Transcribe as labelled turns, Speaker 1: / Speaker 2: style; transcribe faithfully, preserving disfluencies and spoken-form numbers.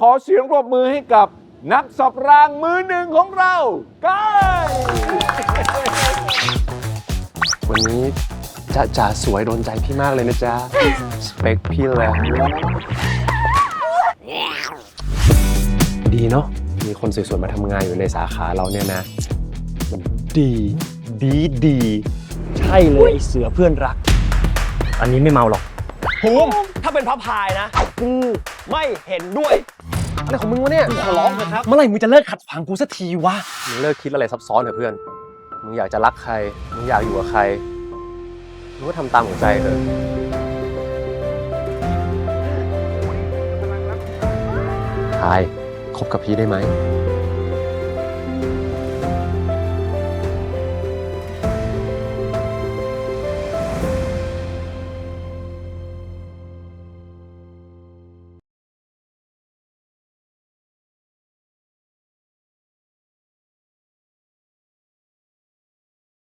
Speaker 1: ขอเสียงปรบมือให้กับนักสับรางมือหนึ่งของเราก้าย
Speaker 2: วันนี้จะจ๋าสวยโดนใจพี่มากเลยนะจ๊ะ สเปคพี่เลยดีเนาะมีคนสวยๆมาทำงานอยู่ในสาขาเราเนี่ยนะมันดีดีดีใช่เลยไอเสือเพื่อนรัก
Speaker 3: อันนี้ไม่เมาหรอก
Speaker 2: ภูมิถ้าเป็นพระพายนะกูไม่เห็นด้วยอะไรของมึงวะเนี่ยขอร้องเถอะครับเมื่อไหร่มึงจะเลิกขัดขวางกูสักทีวะมึงเลิกคิดอะไรซับซ้อนเถอะเพื่อนมึงอยากจะรักใครมึงอยากอยู่กับใครมึงก็ทำตามหัวใจเถอะพายคบกับพี่ได้ไหม